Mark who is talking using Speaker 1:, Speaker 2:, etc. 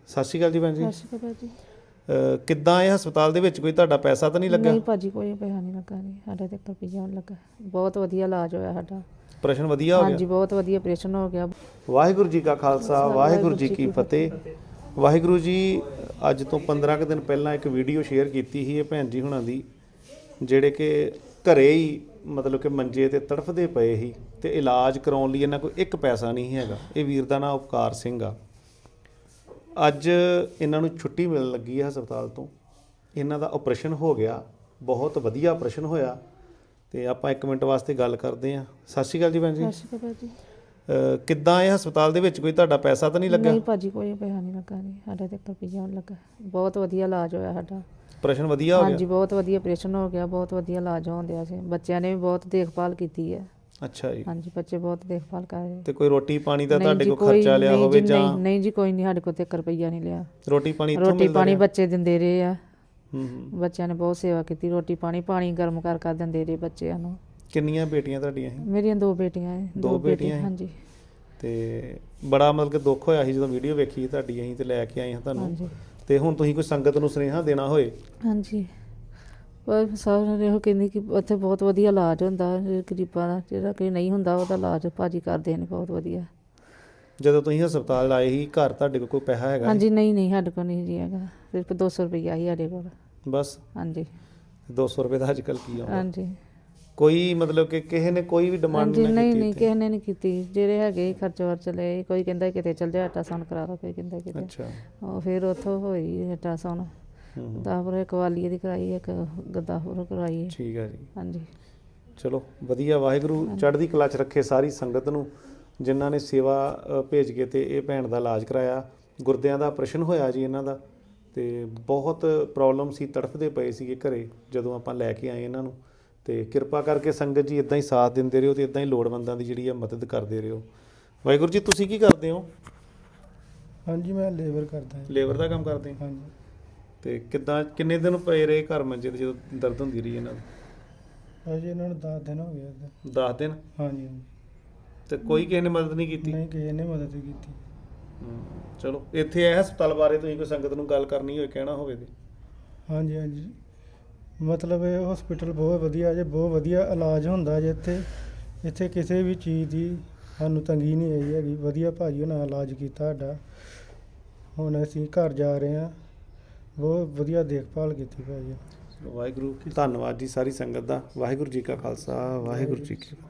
Speaker 1: ਸਤਿ ਸ਼੍ਰੀ ਅਕਾਲ ਜੀ ਭੈਣ ਜੀ।
Speaker 2: ਸਤਿ ਸ਼੍ਰੀ ਅਕਾਲ ਜੀ।
Speaker 1: ਕਿੱਦਾਂ ਇਹ ਹਸਪਤਾਲ ਦੇ ਵਿੱਚ ਕੋਈ ਤੁਹਾਡਾ ਪੈਸਾ ਤਾਂ ਨਹੀਂ ਲੱਗਾ?
Speaker 2: ਨਹੀਂ ਭਾਜੀ, ਕੋਈ ਪੈਸਾ ਨਹੀਂ ਲੱਗਾ ਜੀ, ਸਾਡੇ ਤੇ ਰੁਪਈਆ ਨਹੀਂ ਲੱਗਾ। ਬਹੁਤ ਵਧੀਆ ਇਲਾਜ ਹੋਇਆ ਸਾਡਾ।
Speaker 1: ਆਪਰੇਸ਼ਨ ਵਧੀਆ ਹੋ ਗਿਆ?
Speaker 2: ਹਾਂਜੀ, ਬਹੁਤ ਵਧੀਆ ਆਪਰੇਸ਼ਨ ਹੋ ਗਿਆ।
Speaker 1: ਵਾਹਿਗੁਰੂ ਜੀ ਕਾ ਖਾਲਸਾ, ਵਾਹਿਗੁਰੂ ਜੀ ਕੀ ਫਤਿਹ। ਵਾਹਿਗੁਰੂ ਜੀ, ਅੱਜ ਤੋਂ 15 ਕੁ ਦਿਨ ਪਹਿਲਾਂ ਇੱਕ ਵੀਡੀਓ ਸ਼ੇਅਰ ਕੀਤੀ ਸੀ ਇਹ ਭੈਣ ਜੀ ਹੁਣਾਂ ਦੀ, ਜਿਹੜੇ ਕਿ ਘਰੇ ਹੀ ਮਤਲਬ ਕਿ ਮੰਜੇ ਤੇ ਤੜਫਦੇ ਪਏ ਸੀ ਤੇ ਇਲਾਜ ਕਰਾਉਣ ਲਈ ਇਹਨਾਂ ਕੋਲ ਇੱਕ ਪੈਸਾ ਨਹੀਂ ਹੈਗਾ। ਇਹ ਵੀਰ ਦਾ ਨਾਮ ਉਪਕਾਰ ਸਿੰਘ ਆ। ਅੱਜ ਇਹਨਾਂ ਨੂੰ ਛੁੱਟੀ ਮਿਲਣ ਲੱਗੀ ਹੈ ਹਸਪਤਾਲ ਤੋਂ। ਇਹਨਾਂ ਦਾ ਆਪਰੇਸ਼ਨ ਹੋ ਗਿਆ, ਬਹੁਤ ਵਧੀਆ ਆਪਰੇਸ਼ਨ ਹੋਇਆ ਤੇ ਆਪਾਂ 1 ਮਿੰਟ ਵਾਸਤੇ ਗੱਲ ਕਰਦੇ ਹਾਂ। ਸਤਿ ਸ਼੍ਰੀ ਅਕਾਲ ਜੀ ਭੈਣ ਜੀ।
Speaker 2: ਸਤਿ ਸ਼੍ਰੀ ਅਕਾਲ ਜੀ।
Speaker 1: ਕਿੱਦਾਂ ਇਹ ਹਸਪਤਾਲ ਦੇ ਵਿੱਚ ਕੋਈ ਤੁਹਾਡਾ ਪੈਸਾ ਤਾਂ ਨਹੀਂ ਲੱਗਾ?
Speaker 2: ਨਹੀਂ ਭਾਜੀ, ਕੋਈ ਪੈਸਾ ਨਹੀਂ ਲੱਗਾ ਜੀ, ਸਾਡੇ ਤੇ ਰੁਪਈਆ ਨਹੀਂ ਲੱਗਾ। ਬਹੁਤ ਵਧੀਆ ਇਲਾਜ ਹੋਇਆ ਸਾਡਾ।
Speaker 1: ਆਪਰੇਸ਼ਨ ਵਧੀਆ ਹੋ ਗਿਆ?
Speaker 2: ਹਾਂਜੀ, ਬਹੁਤ ਵਧੀਆ ਆਪਰੇਸ਼ਨ ਹੋ ਗਿਆ, ਬਹੁਤ ਵਧੀਆ ਇਲਾਜ ਹੋਣ ਡਿਆ ਸੀ। ਬੱਚਿਆਂ ਨੇ ਵੀ ਬਹੁਤ ਦੇਖਭਾਲ ਕੀਤੀ ਹੈ।
Speaker 1: ਅੱਛਾ ਜੀ।
Speaker 2: ਹਾਂਜੀ, ਬੱਚੇ ਬਹੁਤ ਦੇਖਭਾਲ ਕਰ ਰਹੇ।
Speaker 1: ਤੇ ਕੋਈ ਰੋਟੀ ਪਾਣੀ ਦਾ ਤੁਹਾਡੇ ਕੋਲ ਖਰਚਾ ਲਿਆ ਹੋਵੇ ਜਾਂ?
Speaker 2: ਨਹੀਂ ਜੀ, ਕੋਈ ਨਹੀਂ, ਸਾਡੇ ਕੋਲ ਤੇ 1 ਰੁਪਈਆ ਨਹੀਂ ਲਿਆ।
Speaker 1: ਰੋਟੀ ਪਾਣੀ ਇੱਥੋਂ
Speaker 2: ਰੋਟੀ
Speaker 1: ਮਿਲਦਾ
Speaker 2: ਪਾਣੀ
Speaker 1: ਰਿਹਾ?
Speaker 2: ਬੱਚੇ ਦਿੰਦੇ ਰਹੇ ਆ।
Speaker 1: ਬੱਚਿਆਂ
Speaker 2: ਨੇ ਬਹੁਤ ਸੇਵਾ ਕੀਤੀ। ਰੋਟੀ ਪਾਣੀ ਗਰਮ ਕਰ ਦਿੰਦੇ ਰਹੇ ਬੱਚਿਆਂ ਨੂੰ।
Speaker 1: ਕਿੰਨੀਆਂ ਬੇਟੀਆਂ ਤੁਹਾਡੀਆਂ ਸੀ?
Speaker 2: ਮੇਰੀਆਂ 2 ਬੇਟੀਆਂ ਹੈ।
Speaker 1: 2 ਬੇਟੀਆਂ?
Speaker 2: ਹਾਂਜੀ।
Speaker 1: ਤੇ ਬੜਾ ਮਤਲਬ ਕਿ ਦੁੱਖ ਹੋਇਆ ਸੀ ਜਦੋਂ ਵੀਡੀਓ ਵੇਖੀ ਤੁਹਾਡੀ, ਅਸੀਂ ਤੇ ਲੈ ਕੇ ਆਏ ਹਾਂ ਤੁਹਾਨੂੰ।
Speaker 2: ਹਾਂਜੀ।
Speaker 1: ਤੇ ਹੁਣ ਤੁਸੀਂ ਕੋਈ ਸੰਗਤ ਨੂੰ ਸੁਨੇਹਾ ਦੇਣਾ ਹੋਏ?
Speaker 2: ਹਾਂਜੀ, ਪਰ ਸਭ ਨੇ ਇਹੋ ਕਹਿੰਦੇ ਕਿ ਉੱਥੇ ਬਹੁਤ ਵਧੀਆ ਇਲਾਜ ਹੁੰਦਾ ਗਰੀਬਾਂ ਦਾ, ਜਿਹੜਾ ਕੋਈ ਨਹੀਂ ਹੁੰਦਾ ਉਹਦਾ ਇਲਾਜ ਭਾਜੀ ਕਰਦੇ ਨੇ ਬਹੁਤ ਵਧੀਆ।
Speaker 1: ਜਦੋਂ ਤੁਸੀਂ ਹਸਪਤਾਲ ਆਏ ਸੀ, ਘਰ ਤੁਹਾਡੇ ਕੋਲ ਕੋਈ ਪੈਸਾ ਹੈਗਾ?
Speaker 2: ਹਾਂਜੀ, ਨਹੀਂ ਸਾਡੇ ਕੋਲ ਨਹੀਂ ਜੀ ਹੈਗਾ, ਸਿਰਫ 200 ਰੁਪਈਆ ਹੀ ਸਾਡੇ ਕੋਲ
Speaker 1: ਬਸ?
Speaker 2: ਹਾਂਜੀ।
Speaker 1: 200 ਰੁਪਏ ਦਾ ਅੱਜ ਕੱਲ੍ਹ ਕੀ ਆਉਂਦਾ?
Speaker 2: ਹਾਂਜੀ।
Speaker 1: ਕੋਈ ਮਤਲਬ ਕਿ ਕਿਸੇ ਨੇ ਕੋਈ ਵੀ ਡਿਮਾਂਡ
Speaker 2: ਨਹੀਂ ਕਿਸੇ ਨੇ ਨਹੀਂ ਕੀਤੀ। ਜਿਹੜੇ ਹੈਗੇ ਖਰਚ ਵਰਚ ਲਏ। ਕੋਈ ਕਹਿੰਦਾ ਕਿਤੇ ਚੱਲ ਜਾ ਅਲਟਰਾਸਾਊਂਡ ਕਰਾ ਲਓ, ਕੋਈ ਕਹਿੰਦਾ ਕਿਤੇ।
Speaker 1: ਅੱਛਾ।
Speaker 2: ਉਹ ਫਿਰ ਉੱਥੋਂ ਹੋਈ ਅਲਟਰਾਸਾਊਂਡ। ਗੁਰਦਾਸਪੁਰ ਕਵਾਲੀਏ ਦੀ ਕਰਾਈ, ਇੱਕ ਗੁਰਦਾਸਪੁਰ ਕਰਵਾਈ।
Speaker 1: ਠੀਕ ਹੈ ਜੀ।
Speaker 2: ਹਾਂਜੀ,
Speaker 1: ਚਲੋ ਵਧੀਆ। ਵਾਹਿਗੁਰੂ ਚੜ੍ਹਦੀ ਕਲਾ 'ਚ ਰੱਖੇ ਸਾਰੀ ਸੰਗਤ ਨੂੰ, ਜਿਨ੍ਹਾਂ ਨੇ ਸੇਵਾ ਭੇਜ ਕੇ ਤੇ ਇਹ ਭੈਣ ਦਾ ਇਲਾਜ ਕਰਾਇਆ। ਗੁਰਦਿਆਂ ਦਾ ਆਪਰੇਸ਼ਨ ਹੋਇਆ ਜੀ ਇਹਨਾਂ ਦਾ, ਤੇ ਬਹੁਤ ਪ੍ਰੋਬਲਮ ਸੀ, ਤੜਫਦੇ ਪਏ ਸੀਗੇ ਘਰੇ ਜਦੋਂ ਆਪਾਂ ਲੈ ਕੇ ਆਏ ਇਹਨਾਂ ਨੂੰ। ਤੇ ਕਿਰਪਾ ਕਰਕੇ ਸੰਗਤ ਜੀ ਇੱਦਾਂ ਹੀ ਸਾਥ ਦਿੰਦੇ ਰਹੋ ਤੇ ਇੱਦਾਂ ਹੀ ਲੋੜਵੰਦਾਂ ਦੀ ਜਿਹੜੀ ਆ ਮਦਦ ਕਰਦੇ ਰਹੋ। ਵਾਹਿਗੁਰੂ ਜੀ, ਤੁਸੀਂ ਕੀ ਕਰਦੇ ਹੋ?
Speaker 3: ਹਾਂਜੀ, ਮੈਂ ਲੇਬਰ ਕਰਦਾ।
Speaker 1: ਲੇਬਰ ਦਾ ਕੰਮ ਕਰਦੇ?
Speaker 3: ਹਾਂਜੀ।
Speaker 1: ਤੇ ਕਿੰਨੇ ਦਿਨ ਪਏ ਰਹੇ ਘਰ ਮੰਜੇ ਤੇ ਜਦੋਂ ਦਰਦ ਹੁੰਦੀ ਰਹੀ ਇਹਨਾਂ ਨੂੰ?
Speaker 3: ਅਜੇ ਇਹਨਾਂ ਨੂੰ 10 ਦਿਨ ਹੋ ਗਏ।
Speaker 1: 10 ਦਿਨ?
Speaker 3: ਹਾਂਜੀ।
Speaker 1: ਤੇ ਕੋਈ ਕਿਸੇ ਨੇ ਮਦਦ ਨਹੀਂ ਕੀਤੀ?
Speaker 3: ਨਹੀਂ, ਕਿਸੇ ਨੇ ਮਦਦ ਕੀਤੀ।
Speaker 1: ਚਲੋ, ਇੱਥੇ ਇਹ ਹਸਪਤਾਲ ਬਾਰੇ ਤੁਸੀਂ ਕੋਈ ਸੰਗਤ ਨੂੰ ਗੱਲ ਕਰਨੀ ਹੋਵੇ, ਕਹਿਣਾ ਹੋਵੇ ਤੇ?
Speaker 3: ਹਾਂਜੀ, ਮਤਲਬ ਇਹ ਹਸਪੀਟਲ ਬਹੁਤ ਵਧੀਆ ਜੇ, ਬਹੁਤ ਵਧੀਆ ਇਲਾਜ ਹੁੰਦਾ ਜੇ ਇੱਥੇ ਕਿਸੇ ਵੀ ਚੀਜ਼ ਦੀ ਸਾਨੂੰ ਤੰਗੀ ਨਹੀਂ ਆਈ ਹੈਗੀ। ਵਧੀਆ ਭਾਜੀ ਉਹਨਾਂ ਇਲਾਜ ਕੀਤਾ ਸਾਡਾ। ਹੁਣ ਅਸੀਂ ਘਰ ਜਾ ਰਹੇ ਹਾਂ। ਬਹੁਤ ਵਧੀਆ ਦੇਖਭਾਲ ਕੀਤੀ ਭਾਜੀ।
Speaker 1: ਵਾਹਿਗੁਰੂ ਧੰਨਵਾਦ ਜੀ ਸਾਰੀ ਸੰਗਤ ਦਾ। ਵਾਹਿਗੁਰੂ ਜੀ ਕਾ ਖਾਲਸਾ, ਵਾਹਿਗੁਰੂ ਜੀ ਕੀ ਫਤਿਹ।